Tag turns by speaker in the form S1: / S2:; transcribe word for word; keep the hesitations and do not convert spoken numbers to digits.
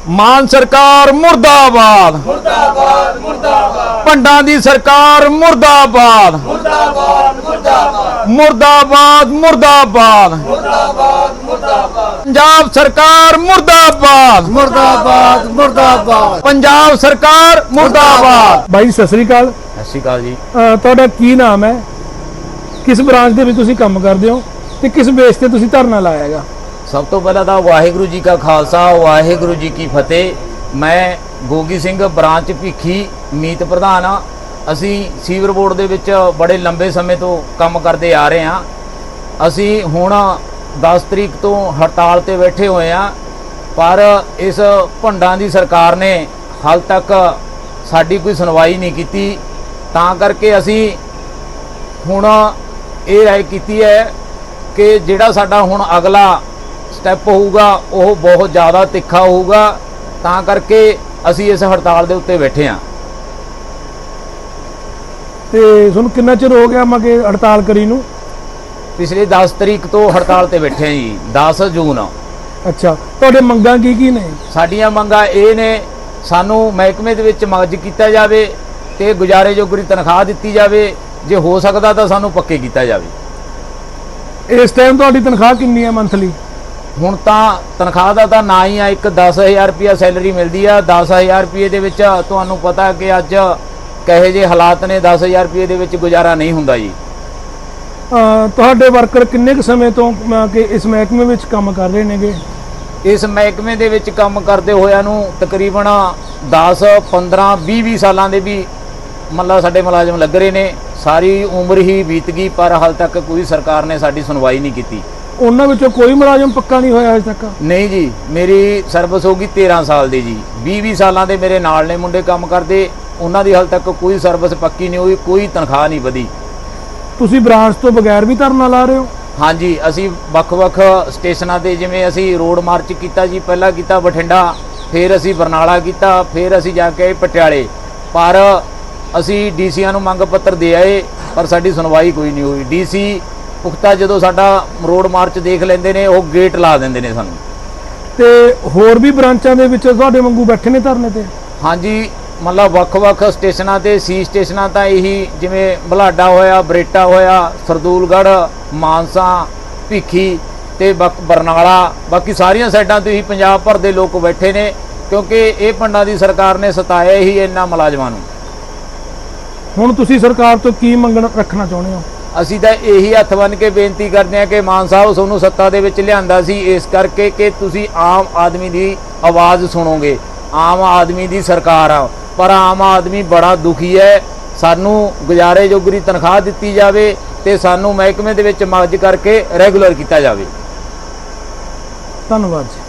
S1: मान सरकार मुर्दाबाद
S2: मुर्दाबाद मुर्दाबाद
S1: भंडा दी सरकार मुर्दाबाद
S2: मुर्दाबाद मुर्दाबाद
S1: मुर्दाबाद मुर्दाबाद
S2: मुर्दाबाद मुर्दाबाद
S1: पंजाब सरकार मुर्दाबाद
S2: मुर्दाबाद मुर्दाबाद
S1: पंजाब सरकार मुर्दाबाद।
S3: भाई सत श्री अकाल।
S1: सत श्री अकाल जी।
S3: ਤੁਹਾਡਾ ਕੀ ਨਾਮ ਹੈ, किस ब्रांच ਦੇ ਵਿੱਚ ਤੁਸੀਂ ਕੰਮ ਕਰਦੇ ਹੋ ਤੇ ਕਿਸ ਬੇਸ ਤੇ ਤੁਸੀਂ ਧਰਨਾ ਲਾਇਆ ਹੈਗਾ?
S1: सब तो पहला था वाहिगुरु जी का खालसा वाहिगुरु जी की फतेह। मैं गोगी सिंह ब्रांच ਭਿੱਖੀ ਮੀਤ प्रधान हाँ। असी सीवर बोर्ड ਦੇ ਵਿੱਚ बड़े लंबे समय तो काम करते आ रहे हैं। असी हुण दस तरीक तो हड़ताल ते बैठे हुए हैं, पर इस भंडां दी सरकार ने हाल तक साडी कोई सुनवाई नहीं की। तां करके असी हुण ये राय की है कि जिहड़ा साडा हुण अगला स्टैप होगा वह बहुत ज़्यादा तिखा होगा। तां करके असी इस हड़ताल के उत्ते बैठे हाँ।
S3: ਤੇ ਤੁਹਾਨੂੰ ਕਿੰਨਾ ਚਿਰ ਹੋ ਗਿਆ ਮਗੇ ਹੜਤਾਲ ਕਰੀ ਨੂੰ?
S1: पिछले दस तरीक तो हड़ताल ते बैठे हैं जी, दस जून।
S3: ਅੱਛਾ, ਤੁਹਾਡੇ ਮੰਗਾਂ ਕੀ ਕੀ ਨੇ?
S1: साडियां मंगां ये ने, सानू महकमे दे विच मर्ज किया जाए ते गुजारे जोगरी तनख्वाह दित्ती जाए, जे हो सकदा तां सानू पक्के किया जाए।
S3: ਇਸ ਟਾਈਮ ਤੁਹਾਡੀ ਤਨਖਾਹ ਕਿੰਨੀ ਹੈ ਮੰਥਲੀ?
S1: ਹੁਣ ਤਾਂ ਤਨਖਾਹ ਦਾ ਤਾਂ ਨਾ ਹੀ ਆ, ਇੱਕ ਦਸ ਹਜ਼ਾਰ ਰੁਪਇਆ ਸੈਲਰੀ ਮਿਲਦੀ ਆ। ਦਸ ਹਜ਼ਾਰ ਰੁਪਏ ਦੇ ਵਿੱਚ ਤੁਹਾਨੂੰ ਪਤਾ ਕਿ ਅੱਜ ਕਹੇ ਜੇ ਹਾਲਾਤ ਨੇ, ਦਸ ਹਜ਼ਾਰ ਰੁਪਏ ਦੇ ਵਿੱਚ ਗੁਜ਼ਾਰਾ ਨਹੀਂ ਹੁੰਦਾ ਜੀ।
S3: ਅਹ ਤੁਹਾਡੇ ਵਰਕਰ ਕਿੰਨੇ ਕੁ ਸਮੇਂ ਤੋਂ ਅਹ ਕਿ ਇਸ ਮਹਿਕਮੇ ਵਿੱਚ ਕੰਮ ਕਰ ਰਹੇ ਨੇਗੇ?
S1: ਇਸ ਮਹਿਕਮੇ ਦੇ ਵਿੱਚ ਕੰਮ ਕਰਦੇ ਹੋਇਆਂ ਨੂੰ ਤਕਰੀਬਨ ਦਸ ਪੰਦਰਾਂ ਵੀਹ ਵੀਹ ਸਾਲਾਂ ਦੇ ਵੀ ਮਤਲਬ ਸਾਡੇ ਮੁਲਾਜ਼ਮ ਲੱਗ ਰਹੇ ਨੇ। ਸਾਰੀ ਉਮਰ ਹੀ ਬੀਤ ਗਈ, ਪਰ ਹਾਲ ਤੱਕ ਕੋਈ ਸਰਕਾਰ ਨੇ ਸਾਡੀ ਸੁਣਵਾਈ ਨਹੀਂ ਕੀਤੀ।
S3: ਉਹਨਾਂ ਵਿੱਚੋਂ ਕੋਈ ਮੁਲਾਜ਼ਮ ਪੱਕਾ ਨਹੀਂ ਹੋਇਆ ਅਜੇ ਤੱਕ?
S1: ਨਹੀਂ ਜੀ, ਮੇਰੀ ਸਰਵਿਸ ਹੋ ਗਈ ਤੇਰਾਂ ਸਾਲ ਦੀ ਜੀ। ਵੀਹ ਵੀਹ ਸਾਲਾਂ ਦੇ ਮੇਰੇ ਨਾਲ ਨੇ ਮੁੰਡੇ ਕੰਮ ਕਰਦੇ, ਉਹਨਾਂ ਦੀ ਹਾਲ ਤੱਕ ਕੋਈ ਸਰਵਿਸ ਪੱਕੀ ਨਹੀਂ ਹੋਈ, ਕੋਈ ਤਨਖਾਹ ਨਹੀਂ ਵਧੀ।
S3: ਤੁਸੀਂ ਬ੍ਰਾਂਚ ਤੋਂ ਬਗੈਰ ਵੀ ਧਰਨਾ ਲਾ ਰਹੇ ਹੋ?
S1: ਹਾਂਜੀ, ਅਸੀਂ ਵੱਖ-ਵੱਖ ਸਟੇਸ਼ਨਾਂ ਤੇ, ਜਿਵੇਂ ਅਸੀਂ ਰੋਡ ਮਾਰਚ ਕੀਤਾ ਜੀ, ਪਹਿਲਾਂ ਕੀਤਾ ਬਠਿੰਡਾ, ਫਿਰ ਅਸੀਂ ਬਰਨਾਲਾ ਕੀਤਾ, ਫਿਰ ਅਸੀਂ ਜਾ ਕੇ ਪਟਿਆਲੇ, ਪਰ ਅਸੀਂ ਡੀਸੀਆਂ ਨੂੰ ਮੰਗ ਪੱਤਰ ਦੇ ਆਏ, ਪਰ ਸਾਡੀ ਸੁਣਵਾਈ ਕੋਈ ਨਹੀਂ ਹੋਈ। ਡੀਸੀ ਪੁਖਤਾ ਜਦੋਂ ਸਾਡਾ ਰੋਡ ਮਾਰਚ ਦੇਖ ਲੈਂਦੇ ਨੇ, ਉਹ ਗੇਟ ਲਾ ਦਿੰਦੇ ਨੇ ਸਾਨੂੰ।
S3: ਤੇ ਹੋਰ ਵੀ ਬ੍ਰਾਂਚਾਂ ਦੇ ਵਿੱਚ ਤੁਹਾਡੇ ਵਾਂਗੂ ਬੈਠੇ ਨੇ ਧਰਨੇ ਤੇ?
S1: ਹਾਂਜੀ, ਮਤਲਬ ਵੱਖ-ਵੱਖ ਸਟੇਸ਼ਨਾਂ ਤੇ, ਸੀ ਸਟੇਸ਼ਨਾਂ ਤਾਂ ਇਹੀ, ਜਿਵੇਂ ਬਲਾਡਾ ਹੋਇਆ, ਬਰੇਟਾ ਹੋਇਆ, ਸਰਦੂਲਗੜ੍ਹ, ਮਾਨਸਾ, ਭਿੱਖੀ ਤੇ ਬਰਨਾਲਾ, ਬਾਕੀ ਸਾਰੀਆਂ ਸਾਈਡਾਂ ਤੋਂ ਹੀ ਪੰਜਾਬ ਭਰ ਦੇ ਲੋਕ ਬੈਠੇ ਨੇ, ਕਿਉਂਕਿ ਇਹ ਭੰਡਾਂ ਦੀ ਸਰਕਾਰ ਨੇ ਸਤਾਇਆ ਹੀ ਇਹਨਾਂ ਮੁਲਾਜ਼ਮਾਂ ਨੂੰ।
S3: ਹੁਣ ਤੁਸੀਂ ਸਰਕਾਰ ਤੋਂ ਕੀ ਮੰਗਣ ਰੱਖਣਾ ਚਾਹੁੰਦੇ ਹੋ?
S1: ਅਸੀਂ ਤਾਂ ਇਹੀ ਹੱਥ ਬੰਨ੍ਹ ਕੇ ਬੇਨਤੀ ਕਰਦੇ ਹਾਂ ਕਿ ਮਾਨ ਸਾਹਿਬ, ਤੁਹਾਨੂੰ ਸੱਤਾ ਦੇ ਵਿੱਚ ਲਿਆਂਦਾ ਸੀ ਇਸ ਕਰਕੇ ਕਿ ਤੁਸੀਂ ਆਮ ਆਦਮੀ ਦੀ ਆਵਾਜ਼ ਸੁਣੋਗੇ। ਆਮ ਆਦਮੀ ਦੀ ਸਰਕਾਰ ਆ, ਪਰ ਆਮ ਆਦਮੀ ਬੜਾ ਦੁਖੀ ਹੈ। ਸਾਨੂੰ ਗੁਜ਼ਾਰੇ ਜੋਗਰੀ ਤਨਖਾਹ ਦਿੱਤੀ ਜਾਵੇ ਤੇ ਸਾਨੂੰ ਮਹਿਕਮੇ ਦੇ ਵਿੱਚ ਮਰਜ ਕਰਕੇ ਰੈਗੂਲਰ ਕੀਤਾ ਜਾਵੇ।
S3: ਧੰਨਵਾਦ ਜੀ।